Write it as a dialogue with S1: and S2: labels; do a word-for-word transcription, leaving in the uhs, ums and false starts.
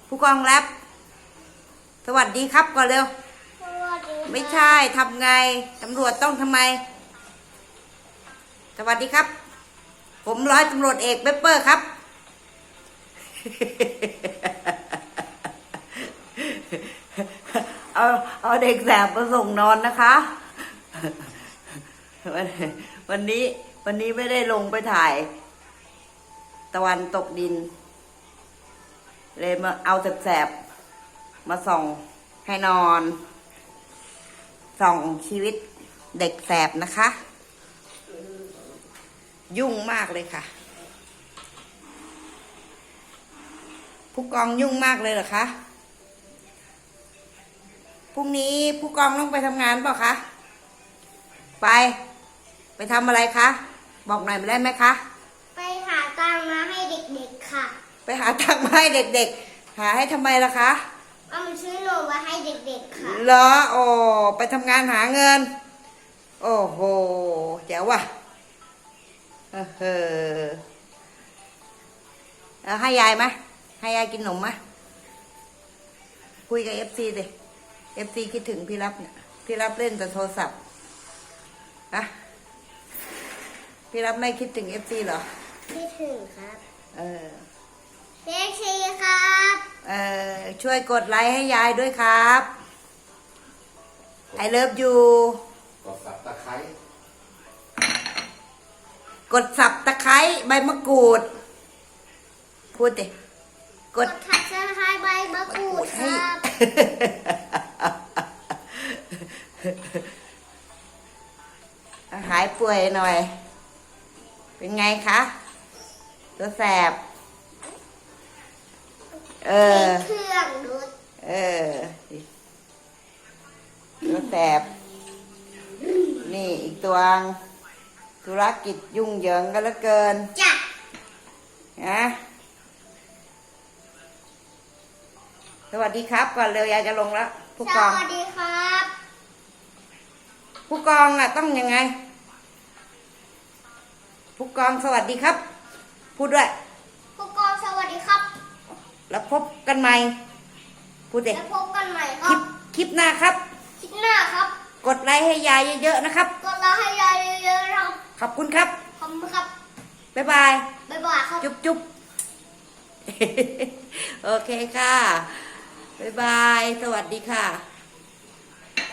S1: ผู้กองแรปสวัสดีครับก่อนเร็วไม่ใช่ทำไงตำรวจต้องทำไมสวัสดีครับผมร้อยตำรวจเอกเปเปอร์ครับเอาเอาเด็กแสบมาส่งนอนนะคะวันวันนี้วันนี้ไม่ได้ลงไปถ่ายตะวันตกดินเลยมาเอาแสบๆมาส่องให้นอนส่องชีวิตเด็กแสบนะคะยุ่งมากเลยค่ะผู้กองยุ่งมากเลยเหรอคะพรุ่งนี้ผู้กองต้องไปทำงานเปล่าคะไปไปทำอะไรคะบอกหน่อยได้ไหมคะ
S2: ไปหาตังค์มาให้เด็กๆค่ะ
S1: ไปหาตังค์มาให้เด็กๆหาให้ทำไมล่ะคะ
S2: เอามาซื้อนมมาให้เด็กๆค่ะ
S1: เหรอโอ้ไปทำงานหาเงินโอ้โหแจ๋วว่ะเออเออแล้วให้ยายไหมให้ยายกินนมไหมคุยกับเอฟซีดิเอฟซีคิดถึงพี่รับเนี่ยพี่รับเล่นแต่โทรศัพท์อะพี่รับไม่คิดถึงเอฟซีเหรอ
S2: คิดถึงครับ
S1: เออ
S2: เอฟซีครับ
S1: เออช่วยกดไลค์ให้ยายด้วยครับไอเลิฟยู
S3: กดสับตะไคร้
S1: กดสับตะไคร้ใบมะกรูดพูดดิ
S2: กดถักสะพายใบมะกรูดครับ
S1: หายป่วยหน่อยเป็นไงคะตัวแสบเออ
S2: เครื่องดูด
S1: เออตัวแสบนี่อีกตัวธุรกิจยุ่งเหยิงกันเหลือเกิน
S2: จ้ะ
S1: นะสวัสดีครับก่อนเร็วยายจะลงแล้วผู้กอง
S2: สวัสดีครับ
S1: ผู้กองอ่ะต้องยังไงผู้กองสวัสดีครับพูดด้วย
S2: ผู้กองสวัสดีครับ
S1: แล้วพบกันใหม่พูดเด็ก
S2: แล้วพบกันใหม่ค
S1: รับคลิปหน้าครับ
S2: คลิปหน้าครับ
S1: กดไลค์ให้ยายเยอะๆนะครับ
S2: กดไลค์ให้ยายเยอะๆครับ
S1: ขอบคุณครับ
S2: ขอบคุณครับ
S1: บ๊ายบาย
S2: บ๊ายบายครับ
S1: จุ๊บจุ๊บโอเคค่ะบ๊ายบายสวัสดีค่ะ